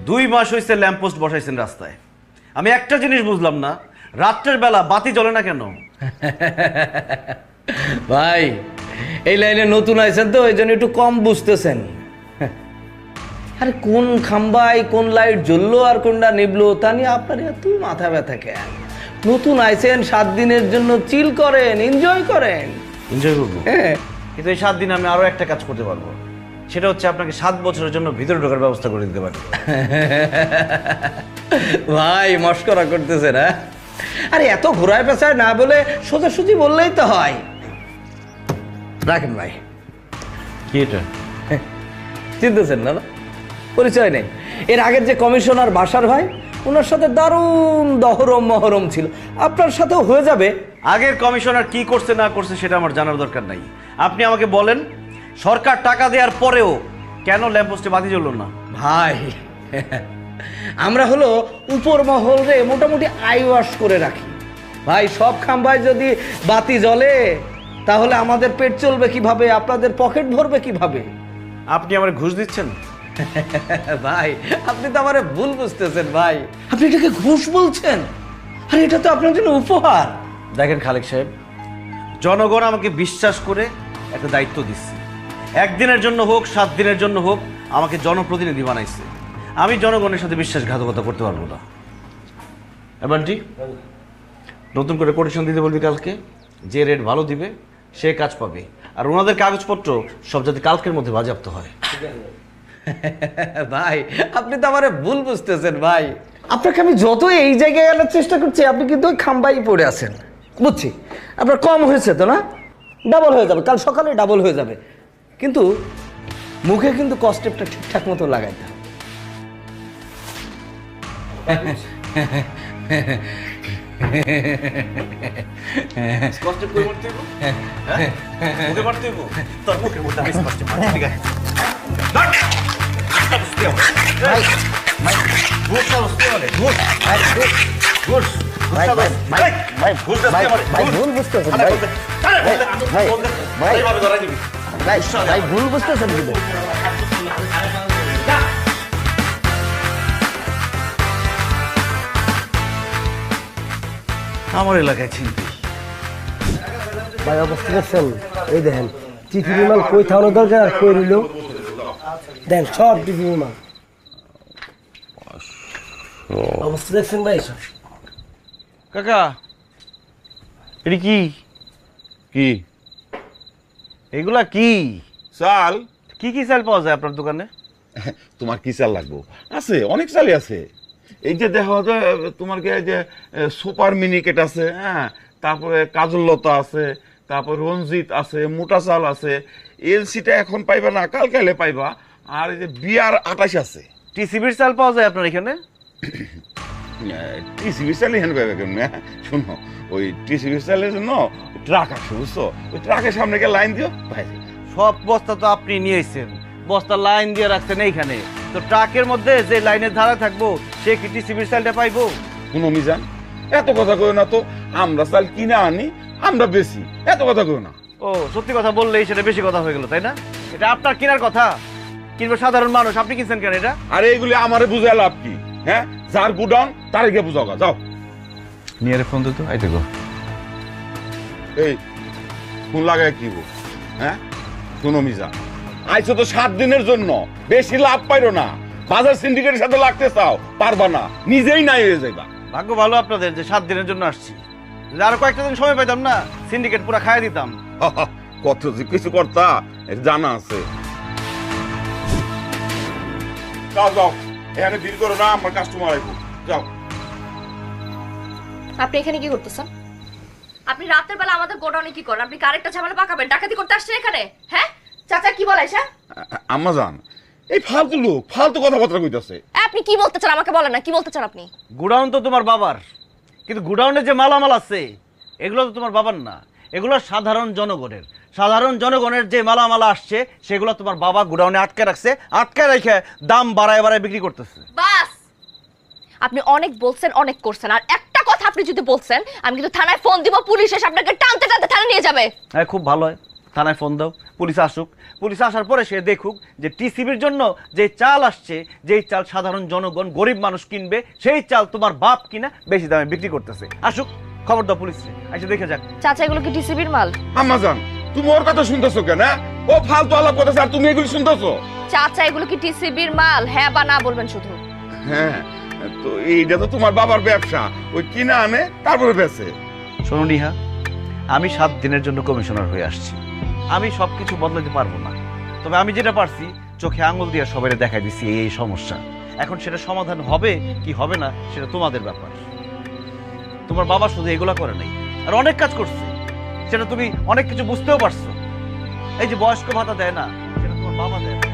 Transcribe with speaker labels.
Speaker 1: 2 মাস হয়েছে ল্যাম্পপোস্ট বসাইছেন রাস্তায়। আমি একটা জিনিস বুঝলাম না, রাত্রের বেলা বাতি জ্বলে না কেন?
Speaker 2: ভাই এই লাইনে নতুন আইছেন তো এই জন্য একটু কম বুঝতেছেন। আরে কোন খাম্বায় কোন লাইট জ্বললো আর কোনটা নিবলো তা নিয়ে আপনার এত মাথা ব্যথা কেন? নতুন আইছেন 7 দিনের জন্য চিল করেন, এনজয় করেন।
Speaker 1: এনজয় করবো,
Speaker 2: হ্যাঁ
Speaker 1: কিন্তু এই 7 দিনে আমি আরো একটা কাজ করতে পারবো, সেটা হচ্ছে আপনাকে 7 বছরের জন্য ভিতরে ঢোকার ব্যবস্থা করে দিতে পারবো।
Speaker 2: ভাই মস্করা করতেছেন? হ্যাঁ আরে এত ঘোরায় পেঁচায় না বলে সোজাসুজি বললেই তো হয়। রাখেন ভাই।
Speaker 1: কি এটা?
Speaker 2: চিনতেছেন না? না পরিচয় নেই। এর আগের যে কমিশনার বাসার ভাই, ওনার সাথে দারুণ দহরম মহরম ছিল, আপনার সাথেও হয়ে যাবে।
Speaker 1: আগের কমিশনার কি করছে না করছে সেটা আমার জানার দরকার নাই। আপনি আমাকে বলেন, সরকার টাকা দেওয়ার পরেও কেন ল্যাম্পপোস্টে বাতি জ্বললো না?
Speaker 2: ভাই আমরা হলো উপর মহল রে মোটামুটি আই ওয়াশ করে রাখি ভাই। সব খাম্বায় যদি বাতি জ্বলে তাহলে আমাদের পেট চলবে কিভাবে, আপনাদের পকেট ভরবে কিভাবে?
Speaker 1: আপনি আমার ঘুষ দিচ্ছেন?
Speaker 2: ভাই আপনি তো আমার ভুল বুঝতেছেন ভাই, আপনি এটাকে ঘুষ বলছেন। আরে এটা তো আপনার জন্য উপহার।
Speaker 1: দেখেন খালেক সাহেব, জনগণ আমাকে বিশ্বাস করে একটা দায়িত্ব দিচ্ছে। 1 দিনের জন্য হোক 7 দিনের জন্য হোক আমাকে জনপ্রতিনিধি বানাইছে। আমি জনগণের সাথে বিশ্বাসঘাতকতা করতে পারবো না। এবারটি নতুন করে কোটেশন দিতে বলবি কালকে, যে রেট ভালো দিবে সে কাজ পাবে, আর ওনাদের কাগজপত্র সব যাতে কালকের মধ্যে বাজেয়াপ্ত হয়।
Speaker 2: ভাই আপনি তো আমার ভুল বুঝতেছেন ভাই, আপনাকে আমি যত এই জায়গায় আনার চেষ্টা করছি আপনি কিন্তু ওই খাম্বাই পড়ে আছেন। বুঝছি আপনার কম হয়েছে তো, না ডাবল হয়ে যাবে, কাল সকালে ডাবল হয়ে যাবে, কিন্তু মুখে কিন্তু কস্টেপটা ঠিকঠাক মতো লাগাইতে হবে। ভুল বুঝতেছেন কিন্তু
Speaker 1: আমার এলাকায় চিনতে
Speaker 3: ভাই অবস্থা দেখছেন? এই দেখেন টিফি বিমান কই থাকানো দরকার কই রইল, দেন সব টিফি বিমান অবস্থা দেখছেন ভাই।
Speaker 1: কাকা, এটা কি
Speaker 4: কি
Speaker 1: এগুলা কি
Speaker 4: চাল?
Speaker 1: কি কি চাল পাওয়া যায় আপনার দোকানে?
Speaker 4: তোমার কি চাল লাগবো? আছে, অনেক চালই আছে। এই যে দেখো যে তোমার কি এই যে সুপার মিনিকেট আছে, হ্যাঁ, তারপরে কাজললতা আছে, তারপর রঞ্জিত আছে, মোটা চাল আছে। এলসিটা এখন পাইবা না, কালকালে পাইবা। আর এই যে বিয়ার 28 আছে।
Speaker 1: টিসিবির চাল পাওয়া যায় আপনার এখানে?
Speaker 4: টিসিবি চাল এখানে পাইবা কেন? শুনো, ওই টিসিবি চালের জন্য ট্রাক আসে, বুঝছো? ওই ট্রাকের সামনে গিয়ে লাইন দিও, ভাই।
Speaker 1: সব বস্তা তো আপনি নিয়েছেন, বস্তা লাইন দিয়ে রাখছেন এইখানে, তো ট্রাকের মধ্যে যে লাইনের ধারা থাকবো সে কি টিসিবির চালটা পাইবো?
Speaker 4: কোনো মিজান, এত কথা কই না তো। আমরা চাল কিনে আনি, আমরা বেশি, এত কথা কই না।
Speaker 1: ও সত্যি কথা বললেই সেটা বেশি কথা হয়ে গেল, তাই না? এটা আপনার কেনার কথা, কিনবে সাধারণ মানুষ, আপনি কিনছেন কেন এটা?
Speaker 4: আরে এগুলি আমারে বুঝায় লাভ কি? হ্যাঁ, যার গুডাউন তারে গিয়ে বুঝাও, যাও।
Speaker 1: নিয়ে ফোন দিত, আইতে গো।
Speaker 4: এই ফোন লাগায় কি গো? হ্যাঁ শুনো মিজান, আইছো তো 7 দিনের জন্য, বেশি লাভ পাইরো না। বাজার সিন্ডিকেটের সাথে লাগতে চাও, পারবা না, নিজেই নাই হয়ে যাইবা।
Speaker 1: ভাগ্য ভালো আপনাদের যে 7 দিনের জন্য আসছি, যদি আরো কয়েকটা দিন সময় পাইতাম না, সিন্ডিকেট পুরো খাইয়ে দিতাম।
Speaker 4: কত যে কিছু করতা এটা জানা আছে। যাও যাও, এখানে ভিড় করো না, আমার কাস্টমার আইবো, যাও।
Speaker 5: আপনি এখানে কি করতেছেন? আপনি রাতের বেলা আমাদের গোডাউনে কি করেন? আপনি কারেক্টটা ঝামেলা পাকাবেন, ডাকাতি করতে আসছেন এখানে? হ্যাঁ চাচা কি বলে এসা?
Speaker 4: আম্মা জান, এই ফালতু লোক ফালতু কথাবার্তা কইতাছে।
Speaker 5: আপনি কি বলতে চান আমাকে বলেন না, কি বলতে চান আপনি?
Speaker 1: গুডাউন তো তোমার বাবার, কিন্তু গুডাউনে যে মালামাল আছে এগুলো তো তোমার বাবার না, এগুলো সাধারণ জনগণের। সাধারণ জনগণের যে মালামাল আসছে সেগুলো তোমার বাবা গুডাউনে আটকে রাখছে, আটকে রেখে দাম বাড়ায় বাড়ায় বিক্রি করতেছে।
Speaker 5: বাস, আপনি অনেক বলছেন, অনেক করছেন, আর একটা কথা আপনি যদি বলছেন আমি কিন্তু থানায় ফোন দিব, পুলিশ এসে আপনাকে টানতে টানতে থানায় নিয়ে যাবে।
Speaker 1: হ্যাঁ খুব ভালো হয়, থানায় ফোন দাও, পুলিশ আসুক, পুলিশ আসার পরে সে দেখুক যে টিসিবির জন্য যে চাল আসছে, যেই চাল সাধারণ জনগণ গরিব মানুষ কিনবে, সেই চাল তোমার বাপ কিনা বেশি দামে বিক্রি করতেছে। আসুক, খবর দাও পুলিশে, এসে দেখে যাক।
Speaker 5: চাচা এগুলো কি টিসিবির মাল?
Speaker 4: আম্মাজান তুমি ওর কথা শুনতেছো কেন? ও ফালতু আলাপ করতেছে আর তুমি এগুলি শুনতেছো?
Speaker 5: চাচা এগুলো কি টিসিবির মাল? হ্যাঁ বা না বলবেন শুধু।
Speaker 4: হ্যাঁ, তো এইটা তো তোমার বাবার ব্যবসা, ওই কিনা আনে তারপরে বেচে।
Speaker 1: শোনো নিহা, আমি 7 দিনের জন্য কমিশনার হয়ে আসছি। আমি সবকিছু বদলাতে পারবো না, তবে আমি যেটা পারছি চোখে আঙুল দিয়ে সবাই দেখাই দিচ্ছি এই সমস্যা। এখন সেটা সমাধান হবে কি হবে না সেটা তোমাদের ব্যাপার। তোমার বাবা শুধু এগুলা করে নাই, আর অনেক কাজ করছে, সেটা তুমি অনেক কিছু বুঝতেও পারছো। এই যে বয়স্ক ভাতা দেয় না, সেটা তোমার বাবা দেয় না।